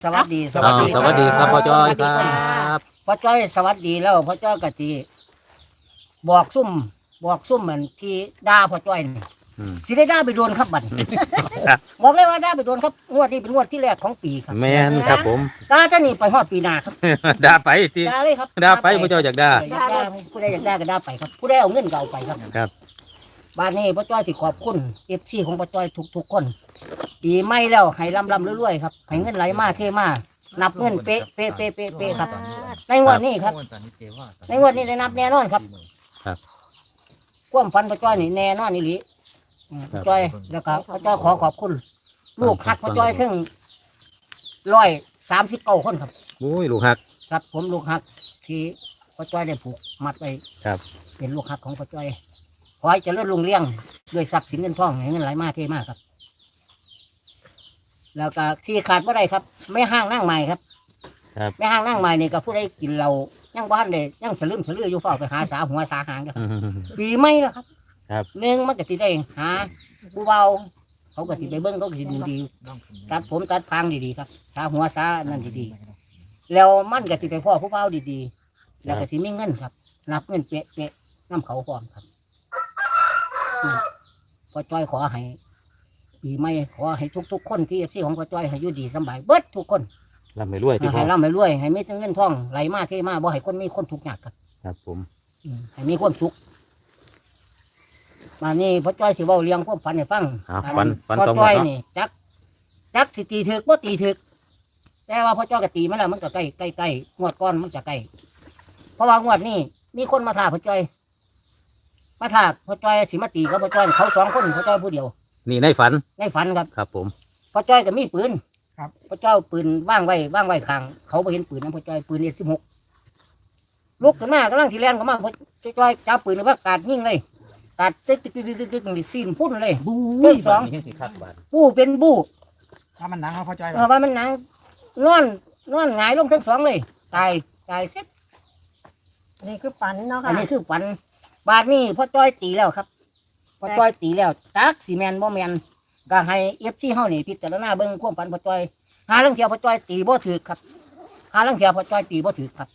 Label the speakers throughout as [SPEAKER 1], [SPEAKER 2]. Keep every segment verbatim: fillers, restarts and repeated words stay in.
[SPEAKER 1] สวัสดีส
[SPEAKER 2] อ้า
[SPEAKER 1] วัส
[SPEAKER 2] ว
[SPEAKER 1] ดี
[SPEAKER 2] สวัสดีครับพ่อจ้อยค
[SPEAKER 3] สวั
[SPEAKER 2] รั
[SPEAKER 3] สดีค่ะ
[SPEAKER 2] บ
[SPEAKER 1] พ่อจ้อยสวัสดีแล้วพ่อจ้อยกะจีบอกซุ่มบอกซุ่มเหมือนที่ด่าพ่อจ้อยนี่
[SPEAKER 2] อืม
[SPEAKER 1] สิได้ด่าไปโดนครับบัดนี้
[SPEAKER 2] ครับ
[SPEAKER 1] บอกเลยว่าด่าไปโดนครับงวดนี้เป็นงวดที่แรกของปีครับ
[SPEAKER 2] แม่นครับผม
[SPEAKER 1] ด่าจะนี่ไปฮอดปีหน้าครับ
[SPEAKER 2] ด่าไปที่
[SPEAKER 1] ด่าเลยครับ
[SPEAKER 2] ด่าไปพ่อจ้อยอยากด่า
[SPEAKER 1] อยากด่าผู้ใดอยากด่าก็ด่าไปครับผู้ใดเอาเงินก็เอาไปครับ
[SPEAKER 2] ครับ
[SPEAKER 1] บ้านนี้พ่อจ้อยสิขอบคุณเอฟซีของพ่อจ้อยทุกๆคนปีใหม่แล้วให้ร่ำร่ำรวยๆครับให้เงินไหลมาเทมานับเงินเป๊ะเป๊ะเป๊ะเป๊ะเป๊ะครับในงวดนี้ครับ ในงวดนี้ได้นับแน่นอนครับ
[SPEAKER 2] ครับ
[SPEAKER 1] ความฝันพ่อจ้อยนี่แน่นอนนี่หลีอืมพ่อจ้อยแล้วก็พ่อจ้อยขอขอบคุณ ลูกฮักพ่อจ้อยถึงร้อยสามสิบเก้าคนครับ
[SPEAKER 2] โอ้ยลูกฮัก
[SPEAKER 1] ครับผมลูกฮักที่พ่อจ้อยได้ผูกมัดไว้
[SPEAKER 2] ครับ
[SPEAKER 1] เป็นลูกฮักของพ่อจ้อยขอให้เจริญรุ่งเรืองด้วยทรัพย์สินเงินทองให้เงินไหลมาเทมาครับ แล้วก็ที่ขาดไม่ได้ครับ ไม่ห้างนั่งใหม่ครับ
[SPEAKER 2] ครับ
[SPEAKER 1] ไม่ห้างนั่งใหม่นี่ก็ผู้ใดกินเรายังบ้านเลยยังสลืมสลืออยู่เฝ้าไปหาสาหัวสาหางนะครับ
[SPEAKER 2] อืม
[SPEAKER 1] ปีไม่แล้วครับ
[SPEAKER 2] ครับ
[SPEAKER 1] หนึ่งมันก็สิได้หาผู้เบาเขาก็สิไปเบิ้งเขาก็สิดูดีตัดผมตัดพางดีๆครับสาหัวสานั่นดีๆแล้วมันก็สิไปพ่อผู้เบาดีๆแล้วก็สิมีเงินครับ นับเงินเป๊ะๆน้ำเขาพร้อมครับอืมพ่อจ้อยขอให้ปีไม่ขอให้ทุกๆคนที่เอฟซีของพ่อจ้อยให้อยู่ดีสำบายเบิดทุกคน
[SPEAKER 2] ร่ำไม่รวยที่พ่อ
[SPEAKER 1] ให้ร่ำให้รวยให้มีแต่เงินทองไหลมาเทมาบ่ให้คนมีคนทุกข์ยากครับ
[SPEAKER 2] ครับผม
[SPEAKER 1] อืมให้มีความสุขมานี่พ่อจ้อยสิเว้าเลี้ยงความฝันให้ฟัง
[SPEAKER 2] อ่าฟันฟัน
[SPEAKER 1] พ่อ
[SPEAKER 2] ตรงหม
[SPEAKER 1] จ้
[SPEAKER 2] ด
[SPEAKER 1] อย
[SPEAKER 2] เนาะ
[SPEAKER 1] นี่จักจักสิตีถึกบ่ตีถึก แต่ว่าพ่อจ้อยก็ตีมาแล้วมันก็ใกล้ใกล้ใกล้งวดก้อนมันจะใกล้เพราะว่างวดนี้มีคนมาท้าพ่อจ้อยมาท้าพ่อจ้อยสิมาตีกับพ่อจ้อยเขาสองคนพ่อจ้อยผู้เดียว
[SPEAKER 2] นี่ในฝัน
[SPEAKER 1] ในฝันครับ
[SPEAKER 2] ครับผม
[SPEAKER 1] พ่อจ้อยก็มีปืน
[SPEAKER 3] ครับ
[SPEAKER 1] พ่อจ้อยเอาปืนว่างไว้ว่างไว้ข้างเขาไปเห็นปืนนะพ่อจ้อยปืนเอสิบหกลุกขึ้นมากำลังทีแลนก็มาพ่อจ้อยจับปืนแล้วว่ากาดยิงเลยกาดตึ๊กตึ๊กตึ๊กตึ๊กตึ๊กตึ๊กซีนพุ่นเลยเรื่องสอง บู้เป็นบู้
[SPEAKER 3] ถ้ามันหนังเขาพอใจ
[SPEAKER 1] เออว่ามันหนังนอนนอนหงายลงทั้งสองเลยตายตายเสร็จ
[SPEAKER 4] อันนี้คือฝันเนาะ
[SPEAKER 1] อัน
[SPEAKER 4] ค่ะ
[SPEAKER 1] นี้คือฝันบาดนี้พ่อจ้อยตีแล้วครับพ่อจ้อยตีแล้วจักสีแมนบ่แมนก็ให้เอฟซีเฮานี่พิจารณาเบิ่งความฝันพ่อจ้อยหาลังเทียพ่อจ้อยตีบ่ถือครับหาลังเทียพ่อจ้อยตีบ่ถือครับ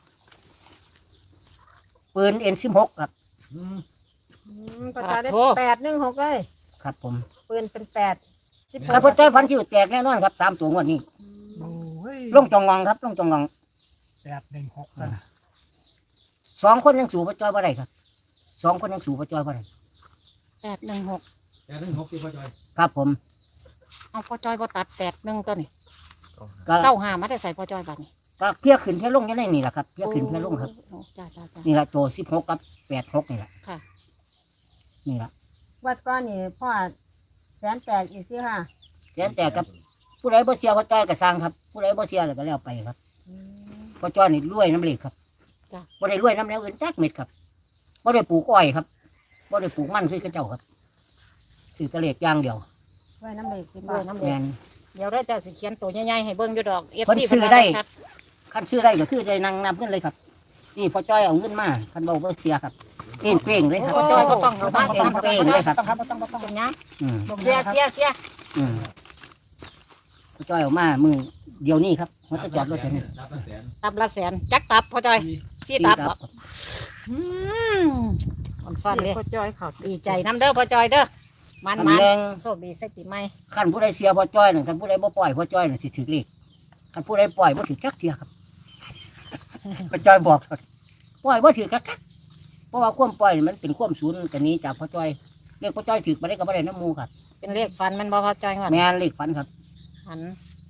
[SPEAKER 1] ปืนเอ็นสิบหกครับ
[SPEAKER 4] อืมประจาได้
[SPEAKER 3] โอ้
[SPEAKER 4] แปดหนึ่งหกเลย
[SPEAKER 1] ครับผม
[SPEAKER 4] ปืนเป็นแปดสิบห
[SPEAKER 1] ครับ
[SPEAKER 4] ก
[SPEAKER 1] พ่อจ้อยฝันชิวแตกแน่นอนครับสามตัวงวดนี้
[SPEAKER 3] โอ้ย
[SPEAKER 1] ลงจองงองครับลงจองงอง
[SPEAKER 3] แปดหนึ่งหกแล้วนะ
[SPEAKER 1] สองคนยังสู่พ่อจ้อยบ่ได้ครับสองคนยังสู่พ่อจ้อยบ่ได้
[SPEAKER 4] แปดหนึ่งหก
[SPEAKER 3] แปดหนึ่งหกสิพ่อจอย
[SPEAKER 1] ครับผม
[SPEAKER 4] เอาพอจอยพอตัดแปดหนึ่งตัวนี่
[SPEAKER 1] ก็
[SPEAKER 4] เก้าห้ามาได้ใส่พอจอยบัดนี้
[SPEAKER 1] ก็เพี้ยขึ้นเพี้ยลงอยังไงนี่แหละครับเพี้ยขึ้นเพี้ยลงครับ
[SPEAKER 4] โอ้จ้าจ้าจ้า
[SPEAKER 1] นี่แหละตัวสิบหกกับแปดหกนี่แหละ
[SPEAKER 4] ค่ะ
[SPEAKER 1] นี่แหละ
[SPEAKER 4] วัดก้อนนี่พ่อแสนแตกอีกสิค่ะ
[SPEAKER 1] แต่แต่กับผู้ใดบ่เสียพ่อจ้อยก็สร้างครับผู้ใดบ่เสียแล้วก็แล้วไปครับพ่อจ้อยนี่รวยน้ำเหล็กครับบ่ได้รวยน้ำแล้วอื่นจักเม็ดครับบ่ได้ปลูกอ้อยครับบ่ได้ปลูกมันซื้อกระเจ้าครับซื้อแตะเหล็กอย่างเดียว
[SPEAKER 4] ไว้น้ำเหล็กกิน
[SPEAKER 3] ด้
[SPEAKER 4] ด้
[SPEAKER 3] ว
[SPEAKER 4] วย ย
[SPEAKER 3] น้ำ
[SPEAKER 4] น้ำ
[SPEAKER 3] เห
[SPEAKER 4] เห
[SPEAKER 3] ล็
[SPEAKER 4] ล็
[SPEAKER 3] ก
[SPEAKER 4] ก
[SPEAKER 1] แม่น
[SPEAKER 3] เดี๋ยวได้เจ้าสิเขียนตัวใหญ่ๆให้เบิ่งอยู่ดอกเอฟ
[SPEAKER 1] เพิ่น
[SPEAKER 3] ซี
[SPEAKER 1] ซื้อได้ คันซื้อได้ก็คือได้นั่งนับเงินเลยครับ นี่พ่อจ้อยเอาเงินมาคันบ่บ่เสียครับเป้งเป้งๆเลยครับ
[SPEAKER 3] พ่อจอยก็ต้องเอามา
[SPEAKER 1] เป้งเป้งๆเลยครับ
[SPEAKER 3] ต้องครับต้องต้องเป็นยัง
[SPEAKER 1] อืม
[SPEAKER 3] เสียเสียเสีย
[SPEAKER 1] อืมพ่อจ้อยเอามามือเดี๋ยวนี้ครับมันจะจอดรถตัวนี้
[SPEAKER 3] ตับละแสนจักตับพ่อจอยสี่ตับ
[SPEAKER 1] ครับ
[SPEAKER 3] อืมอ่อนซ่อนเลย
[SPEAKER 4] พอจอยเขา
[SPEAKER 3] ดีใจน้ำเด้อพ่อจอยเด้อมัน
[SPEAKER 1] คัน
[SPEAKER 3] มัน
[SPEAKER 1] แรง
[SPEAKER 3] โชคดีใส่ปีใหม่
[SPEAKER 1] คันผู้ใดเสียพ่อจ้อยนั่นคันผู้ใดบ่ปล่อยพ่อจ้อยนั่นสิถือเลขคันผู้ใดปล่อยบ่ถือจักเทียครับ พ่อจ้อยบอกปล่อยบ่ถือกักกักเพราะว่าความปล่อยนี่มันเป็นความศูนย์กันนี้จากพ่อจ้อยเลขพ่อจ้อยถือบ่ได้ก็บ่ได้น้ำหมูครับ
[SPEAKER 3] เป็นเลขฟันมันบ่พ่อจอยก่อน
[SPEAKER 1] แม่นเลขฝันครับ
[SPEAKER 3] หัน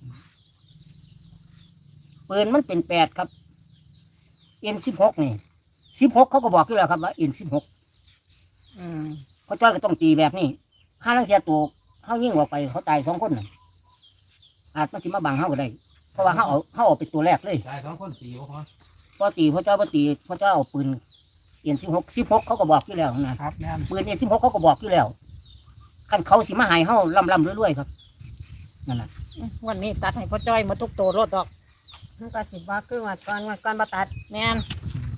[SPEAKER 1] ปืนมันเป็นแปดครับเอ็นสิบหกนี่สิบหกเขาก็บอกอยู่แล้วครับว่าเอ็นสิบหก
[SPEAKER 3] อืม
[SPEAKER 1] พ่อจ้อยก็ต้องตีแบบนี้ห้าลังเทียตัวเฮายิงออกไปเขาตายสองคนน่ะอาจมันสิมาบังเฮาก็ได้เพราะว่าเฮาเอาเฮาเอาเป็นตัวแรกเลย
[SPEAKER 5] ตายสองคนสี่พอ
[SPEAKER 1] พอตีพ่อเจ้าพอตีพ่อเจ้าเอาปืนเอ็นสิบหกสิบหกเขาก็บอกอยู่แล้วนะครับ
[SPEAKER 3] แม่น
[SPEAKER 1] ปืนเอ็นสิบหกเขาก็บอกอยู่แล้วคันเขาสิมาใหายเฮาลำลำรวยๆครับนั่นแหละ
[SPEAKER 3] วันนี้ตัดให้พ่อจอยหมาทุกตัวรถดอก
[SPEAKER 4] มันก็สิบว่าคือวัดก้อนวัดก้อนมาตัด
[SPEAKER 3] แม่น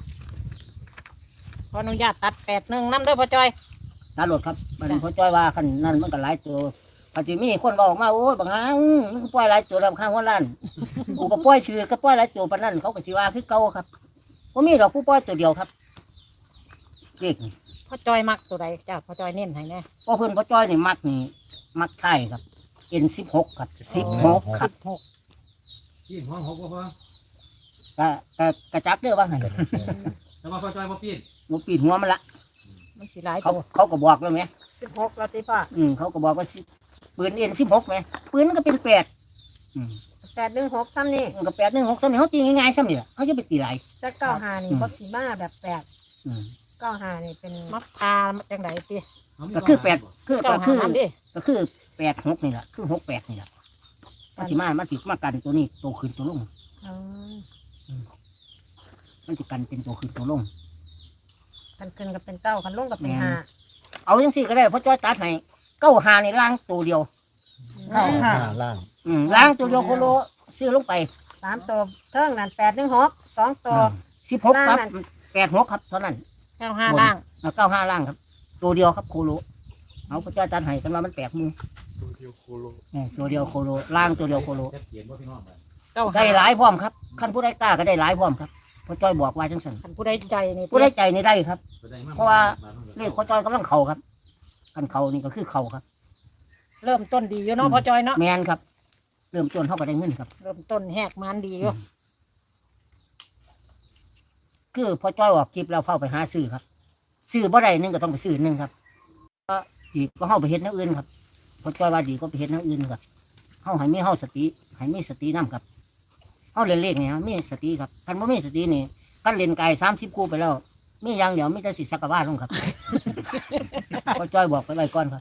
[SPEAKER 3] ขออนุญาตตัดแปดหนึ่งน้ำเด้อพ่อจอย
[SPEAKER 1] ตาหลดครับมันพ่อจ้อยว่าคันนั้นมันก็หลายตัวไปอาจจะมีคนบอกมาโอ้ยบางครั้งมันก็ปล่อยหลายตัวลำข้างหัวล้านกูก็ปล่อยชื่อก็ปล่อยหลายตัวปานนั้นเขาก็สิว่าคือเก่าครับบ่มีดอกผู้ปล่อยตัวเดียวครับเด็ก
[SPEAKER 3] พ่อจอยมักตัวใดจ้าพ่อจอยเน้นให้แน่
[SPEAKER 1] พ่อเพิ่นพ่อจ้อยนี่มักนี่มักไทยครับ เอ็น สิบหก ครับสิบหกครั
[SPEAKER 3] สิ
[SPEAKER 1] บบ
[SPEAKER 3] หก
[SPEAKER 5] พี่ห้องหกบ่พอ
[SPEAKER 1] ก็ก็กระจักเด้อว่าหั่น
[SPEAKER 5] แต่ว่าพ่อจอยพ่อปีน
[SPEAKER 1] บ่ปีนหัวมันละ
[SPEAKER 3] มันสิหลาย
[SPEAKER 1] เขา
[SPEAKER 3] ตัว
[SPEAKER 1] เขาก็บอกแล้วแหม
[SPEAKER 4] สิบหกแล้วติพ่อ
[SPEAKER 1] อืมเขาก็บอกว่าสิปืน เอ็น สิบหกแหมปืนมันก็เป็นแปดอืม
[SPEAKER 4] แปดหนึ่งหกซ้ำนี่
[SPEAKER 1] มันก็แปดหนึ่งหกซ้ำนี่เขาตีง่ายๆซ้ำนี่ล่ะเขาจะไปตีหลาย
[SPEAKER 4] จะเก้าหานี่บ่สิมาแบบแปด
[SPEAKER 1] อืม
[SPEAKER 4] เก้าหานี่เป็น
[SPEAKER 3] มักพาจังไดติ
[SPEAKER 1] ก็คือแปดคือ
[SPEAKER 3] เจ้า
[SPEAKER 1] ก็
[SPEAKER 3] หา
[SPEAKER 1] คือ
[SPEAKER 3] มันดิ
[SPEAKER 1] ก็คือแปดหกนี่แหละคือหกแปดนี่แหละมันสิมามันสิมากันตัวนี้ตัวขึ้นตัวลง
[SPEAKER 4] อ๋อ
[SPEAKER 1] มันสิกันเป็นตัวขึ้นตัวลง
[SPEAKER 4] คันขึ้นก็เป็นเก้าคันลงก็เป็นห้า
[SPEAKER 1] เอาจังสี่ก็ได้เพราะจ้อยตัดให้เก้าหาในล่างตัวเดียว
[SPEAKER 4] เก้าห้า
[SPEAKER 6] ล่าง
[SPEAKER 1] อืมล่างตัวเดียวโคโลซื้อลงไป
[SPEAKER 4] สามตัวเท่งนั้นแปดหนึ่งหกสองตัว
[SPEAKER 1] สิบหกครับ
[SPEAKER 4] ล่างนั่น
[SPEAKER 1] แปดหกครับเท่านั้น
[SPEAKER 3] เก้าห้าล่าง
[SPEAKER 1] เก้าห้าล่างครับ ตัวเดียวครับโคโลเอาเพราะจ้อยตัดให้กันว่ามันแปลกมือเออตัวเดียวโคโลล่างตัวเดียวโคโล
[SPEAKER 5] จะเขียนว่าพี่น้องไป
[SPEAKER 3] เก้า
[SPEAKER 1] ได้
[SPEAKER 3] ห้า
[SPEAKER 1] หลายพร้อมครับขั้นผู้ได้กล้าก็ได้หลายพร้อมครับเพราะจ้อยบอกว่าจังสัน
[SPEAKER 3] คันผู้ใดใจนี่ติ
[SPEAKER 1] ผู้ได้ใจนี่ได้ครับ
[SPEAKER 5] เพ
[SPEAKER 1] เพราะว่าเลขพ่อจ้อยกำลังเข่าครับกันเข่านี่ก็คือเข่าครับ
[SPEAKER 3] เริ่มต้นดีอยู่เนาะพ่อจอยเนาะ
[SPEAKER 1] แมนครับ เริ่มต้นเท่ากับได้เงินครับ
[SPEAKER 3] เริ่มต้นแหกมันดีอยู่
[SPEAKER 1] คือพ่อจ้อยออกคลิปแล้วเข้าไปหาซื้อครับ ซื้อบ่ได้หนึงก็ต้องไปซื้อหนึงครับก็อีกก็เข้าไปเฮ็ดแนวอื่นครับพ่อจ้อยว่าดีก็ไปเฮ็ดแนวอื่นครับเฮาให้มีเฮาสติให้มีสตินํครับเฮาเล่นเลขนี่ครับมีสติครับคันบ่มีสตินี่คันเล่นไก่สามสิบคู่ไปแล้ว มีอย่างเดียวมีแต่สิสักกะว่าลงครับ พ่อจ้อยบอกไปไว้ก่อนครับ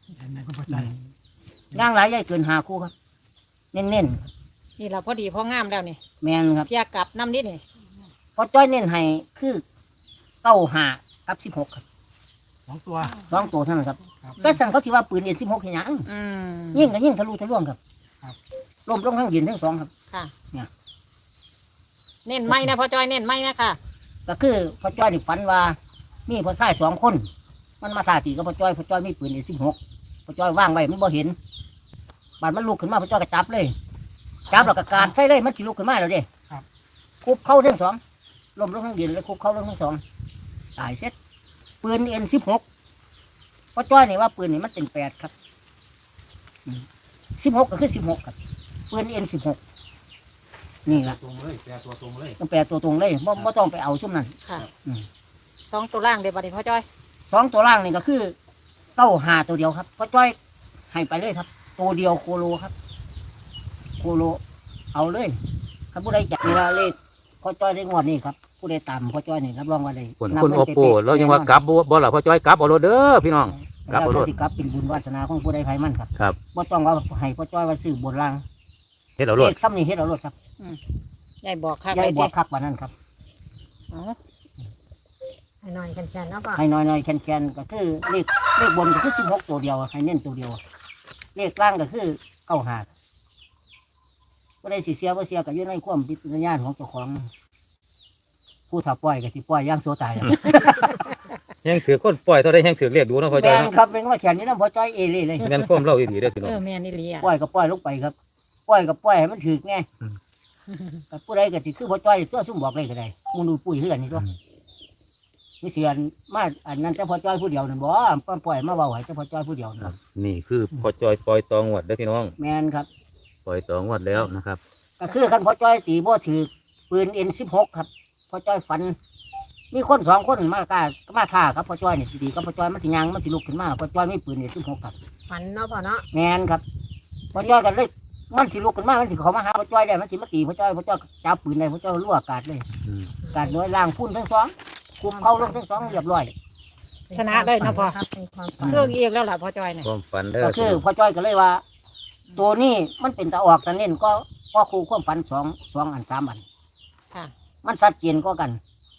[SPEAKER 1] ย่างหลายใหญ่เกินห้าคู่ครับ เน้น
[SPEAKER 3] นี่เราพอดีพองามแล้วนี่
[SPEAKER 1] ๆแมนครับ
[SPEAKER 3] เพียกลับน้ำนิดนี่
[SPEAKER 1] พอจ้อยเน้นให้คือเก้าห้ากับสิบหกครับ
[SPEAKER 6] สองตัว
[SPEAKER 1] สองตัวเท่านั้นครับก็สั่งเขาสิว่าปืนเอ็นสิบหกเห็นยัง
[SPEAKER 3] อืม
[SPEAKER 1] ยิงก็ยิงทะลุทะลวงครับล้มลงทั้งยืนทั้งสองครับ
[SPEAKER 3] ค่ะ
[SPEAKER 1] เนี่ย
[SPEAKER 3] เน้นไม่นะพ่อจอยเน้นไม่นะค่ะ
[SPEAKER 1] ก็คือพอจ้อยนี่ฝันว่ามีพ่อชายสองคน มันมาท่าตีกับพอจ้อยพอจ้อยมีปืนเอ็นสิบหกพอจ้อยว่างไว้มันบ่เห็นบาดมันลุกขึ้นมาพอจ้อยก็จับเลยจับแล้วก็การใส่เลยมันสิลุกขึ้นมาแล้วเด้คุบเข้าทั้งสองล้มลงทั้งยืนแล้วคุบเข้าลงทั้งสองตายเสร็จปืนเอ็นสิบหกพอจ้อยนี่ว่าปืนนี่มันเป็นแปดครับสิบหกก็คือสิบหกครับปืนเอ็นสิบหกนี่แหละ
[SPEAKER 5] ตรงเลยแปลตัวตรงเลย
[SPEAKER 1] ต้องแปลตัวตรงเลยไม่ไม่ต้องไปเอาชุ่มนั้น
[SPEAKER 3] ค่ะ
[SPEAKER 1] อืม
[SPEAKER 3] สองตัวล่างเดี๋ยวบัดนี้พ่อจอย
[SPEAKER 1] สองตัวล่างนี่ก็คือเก้าหาตัวเดียวครับเพราะจ้อยให้ไปเลยครับ ตัวเดียวโคโลครับ โคโลเอาเลยครับผู้ใดจับเวลาเลขพ่อจ้อยได้งวดนี่ครับผู้ใดตามพ่อจ้อยนี่รับรองว่าได้
[SPEAKER 2] คน
[SPEAKER 1] นับ
[SPEAKER 2] คน
[SPEAKER 1] เงิ
[SPEAKER 2] โอน โป
[SPEAKER 1] เป๊ะๆ
[SPEAKER 2] แล้วยังว่ากลับบ่บ่ล่ะพ่อจ้อยกลับเอาโลดเด้อพี่น้อง กลับ
[SPEAKER 1] แล้ว
[SPEAKER 2] เอาโล
[SPEAKER 1] ก็
[SPEAKER 2] ด
[SPEAKER 1] สิกลับเป็นบุญวาสนาของผู้ใดไผมันครับ
[SPEAKER 2] ครับ
[SPEAKER 1] บ่ต้องว่าให้พ่อจ้อยว่าซื้อบนล่าง
[SPEAKER 2] เฮ็ดเอาโล
[SPEAKER 1] เล
[SPEAKER 2] ด
[SPEAKER 1] ขซ้ำนี่เฮ็ดเอารถครับ
[SPEAKER 3] ยายบอกค่ะ
[SPEAKER 1] ยาย
[SPEAKER 3] ไป
[SPEAKER 1] บอ
[SPEAKER 3] ติ
[SPEAKER 1] กคักว่านั้นครับ
[SPEAKER 3] อ๋อ
[SPEAKER 4] ให้หน่อยแข็งๆแล้วก็
[SPEAKER 1] ให้น้อยๆแคนๆก็คือเลขเลขบนก็คือสิบหกตัวเดียวให้เน้นตัวเดียว เลขล่างก็คือเก้าหาก็ได้สิเสียว่าเสียก็อยู่ในความพิจารณาของเจ้าของ ผู้ถ้าปล่อยก็สิปล่อยอย่างโซตาย
[SPEAKER 2] แฮงถือคนปล่อยเท่าใดแฮงถือเรียกดูเนาะพ่อจ้
[SPEAKER 1] แม่
[SPEAKER 2] อย
[SPEAKER 1] น
[SPEAKER 2] เนาะ
[SPEAKER 1] ครับเป็นว่าแขนนี้นะพอจ้อยเอเล่เลย
[SPEAKER 2] แม่นความเล่าดีๆเด้อพี่น้อ
[SPEAKER 3] เอง อแม่นี่เลีย
[SPEAKER 1] ปล่อยก็ปล่อยลงไปครับปล่อยก็ปล่อยให้มันถึกไง
[SPEAKER 2] อืม
[SPEAKER 1] กับผู้ใดก็สิคือพอจ้อยตัวซุ่มบอกเลยก็ได้มูนูปุ้ยเฮือนนี่ตัวมีเสียนมาอันนั้นแต่พอจ้อยผู้เดียวนั่นบ่ปล่อยมาเบาให้แต่พอจ้อยผู้เดียวนั่น
[SPEAKER 2] นี่คือพ่อจ้อยปล่อยตองวดเด้อพี่น้อง
[SPEAKER 1] แม่นครับ
[SPEAKER 2] ปล่อยตองวดแล้วนะครับ
[SPEAKER 1] ก็คือคันพอจ้อยตีบ่ถือปืนเอ็นสิบหกครับพอจ้อยฝัน มีคนสองคนมากล้ามาฆ่าครับพอจ้อยนี่สิดีกับพอจ้อยมันสิยังมันสิลุกขึ้นมาพอจ้อยมีปืนเอ็นสิบหกครับ
[SPEAKER 4] ฝันเนาะพ่อเนาะ
[SPEAKER 1] แมนครับพอจ้อยกันเลยมันสิลุกขึ้นมามันสิเขามาหาพอจ้อยได้มันสิมาตีพอจ้อยพอจ้อยจับปืนได้พอจ้อยรั่วอากาศเลย
[SPEAKER 2] อืม
[SPEAKER 1] อากาศน้อยล่างพุ่นทั้งสองคุมเข้าลงทั้งสองเรียบร้อย
[SPEAKER 3] ชนะเลยนะพ่อ
[SPEAKER 4] ครับเป็นความฝัน
[SPEAKER 3] เครื่องอีกแล้วล่ะพ่อจอยเนี่ย
[SPEAKER 2] ความฝันเด้อ
[SPEAKER 1] ก็คือพอจ้อยก็เลยว่า ตัวนี้มันเป็นตาออกตาเล่นก็ก็ครูความฝันสองสองอันสามอัน
[SPEAKER 3] ค่ะ
[SPEAKER 1] มันชัดเจนก็กัน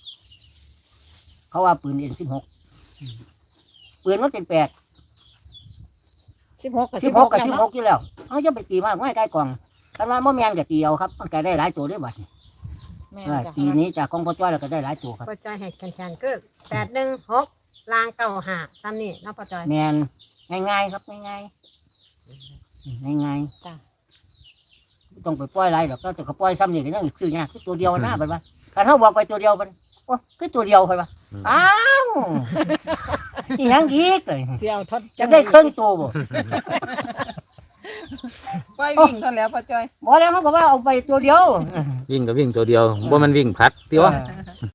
[SPEAKER 1] เขาว่าปืนเอ็นสิบหกปืนมันเป็นแปด
[SPEAKER 3] สิบหกกับ
[SPEAKER 1] สิ
[SPEAKER 3] สิ
[SPEAKER 1] บบ ห
[SPEAKER 3] ห
[SPEAKER 1] ก
[SPEAKER 3] ก
[SPEAKER 1] กับ
[SPEAKER 3] แล้ว
[SPEAKER 1] สิบห
[SPEAKER 3] เนาะ
[SPEAKER 1] กอยู่แล้วเขาจะไปตีมากไม่ใกล้กล่องกันว่าโมแมนกับตีเอาครับมันก็ได้หลายตัวด้วยบัดนี้
[SPEAKER 3] แม่
[SPEAKER 1] เออ
[SPEAKER 3] จ้ะ
[SPEAKER 1] ปีนี้จากกองพ่อจ้อยแล้วก็ได้หลายตัวครับ
[SPEAKER 4] พ่อจอยให้แข็งๆคือแปดหนึ่งหกลางเก้าหาซ้ำนี่เนาะพ่อจอย
[SPEAKER 1] แมนง่ายๆครับง่ายง่าย
[SPEAKER 3] จ้ะ
[SPEAKER 1] ๆต้องไปปล่อยไรหรอกก็จะเขาปล่อยซ้ำนี่ก็ยังซื้อยากคือตัวเดียวหน้าไปว่าการเขาบอกไปตัวเดียวมันโอ้คือตัวเดียวไปว่าอ้าวอีหยังอีกเลย
[SPEAKER 3] เสียวทด
[SPEAKER 1] จะได้เครื่องตัวบ่
[SPEAKER 6] ปล่อยวิ่งเท่าแล้วพ่อจ้อย
[SPEAKER 1] บอกแล้วเขาก็ว่าเอาไปตัวเดียว
[SPEAKER 2] วิ่งก็วิ่งตัวเดียวบ่มันวิ่งพัดติวะ
[SPEAKER 1] เออ